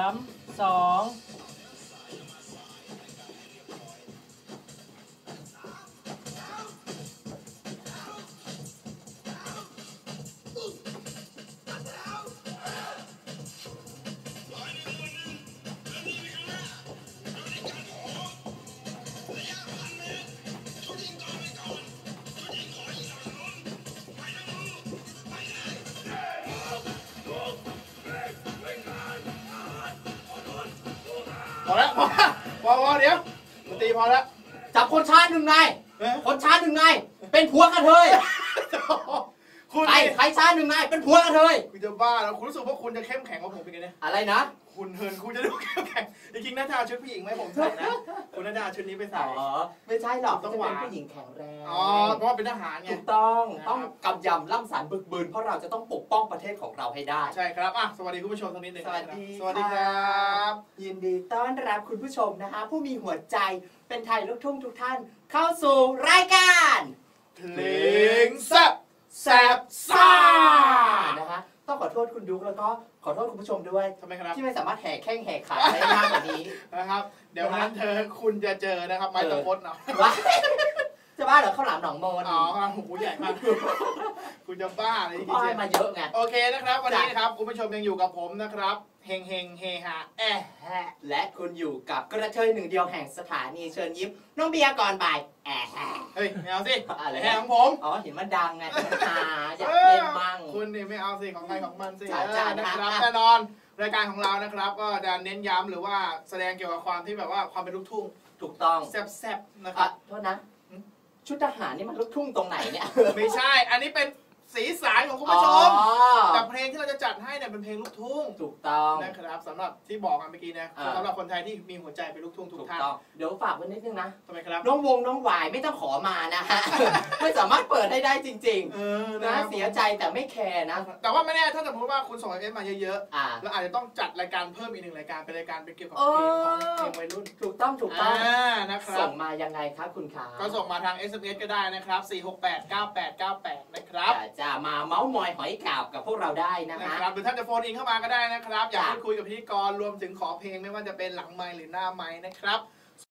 2 พอแล้วพอเดี๋ยวมันตีพอแล้วจับคนชาติหนึ่งนายคนชาติหนึ่งนายเป็นผัวกระเทยใครชาติหนึ่งนายเป็นผัวกระเทยคุณจะบ้าแล้วคุณรู้สึกว่าคุณจะเข้มแข็งกว่าผมเป็นไงเนี่ยอะไรนะคุณจะดูเข้มแข็งจริงๆน่าจะเอาชุดผู้หญิงไหมผมใส่นะคุณน่าจะเอาชุดนี้ไปใส่ไม่ใช่หรอกต้องเป็นผู้หญิงแข็งแรงเพราะว่าเป็นทหารไงถูกต้องกำยำล่ำสันบึกบืนเพราะเราจะต้องปกป้องประเทศของเราให้ได้ใช่ครับสวัสดีคุณผู้ชมตรงนี้หนึ่งสวัสดีครับยินดีต้อนรับคุณผู้ชมนะคะผู้มีหัวใจเป็นไทยลูกทุ่งทุกท่านเข้าสู่รายการเพลงแซ่บแซ่บซ่านะคะต้องขอโทษคุณดุ๊กแล้วก็ขอโทษคุณผู้ชมด้วยทำไมครับที่ไม่สามารถแห่แข้งแห่ขาได้มากกว่านี้นะครับเดี๋ยวนั้นคุณจะเจอนะครับไม้ตะพดเนาะจะบ้าเหรอข้าวหลามหนองมนหูใหญ่มากคุณจะบ้าอะไรที่เจมาเยอะไงโอเคนะครับวันนี้นะครับคุณผู้ชมยังอยู่กับผมนะครับเฮงเฮฮาและคุณอยู่กับกระเทยหนึ่งเดียวแห่งสถานีเชิญยิ้มน้องเบียร์ก่อนบ่ายเฮ้ยไม่เอาสิอะไรของผมเห็นมันดังไงอยากเล่นมั่งคุณนี่ไม่เอาสิของใครของมันสินะครับแน่นอนรายการของเรานะครับก็จะเน้นย้ำหรือว่าแสดงเกี่ยวกับความที่แบบว่าความเป็นลูกทุ่งถูกต้องแซ่บๆนะครับโทษนะชุดทหารนี่มันลูกทุ่งตรงไหนเนี่ยไม่ใช่อันนี้เป็นสีสันของคุณผู้ชมแต่เพลงที่เราจะจัดให้เนี่ยเป็นเพลงลูกทุ่งถูกต้องนะครับสำหรับที่บอกกันเมื่อกี้นะสำหรับคนไทยที่มีหัวใจเป็นลูกทุ่งทุกท่านเดี๋ยวฝากไว้นิดนึงนะทำไมครับน้องหวายไม่ต้องขอมานะฮะไม่สามารถเปิดให้ได้จริงๆนะเสียใจแต่ไม่แคร์นะแต่ว่าไม่แน่ถ้าสมมติว่าคุณส่งเอฟมาเยอะๆแล้วอาจจะต้องจัดรายการเพิ่มอีกหนึ่งรายการเป็นรายการเป็นเกี่ยวกับเพลงของเพลงวัยรุ่นถูกต้องนะครับส่งมายังไงครับคุณขาก็ส่งมาทาง SMS ก็ได้นะครับ4689898นะครับจะมาเมาส์มอยหอยกาบกับพวกเราได้นะครับหรือท่านจะโฟนอินเข้ามาก็ได้นะครับอยากพูดคุยกับพิธีกรรวมถึงขอเพลงไม่ว่าจะเป็นหลังไมค์หรือหน้าไมค์นะครับ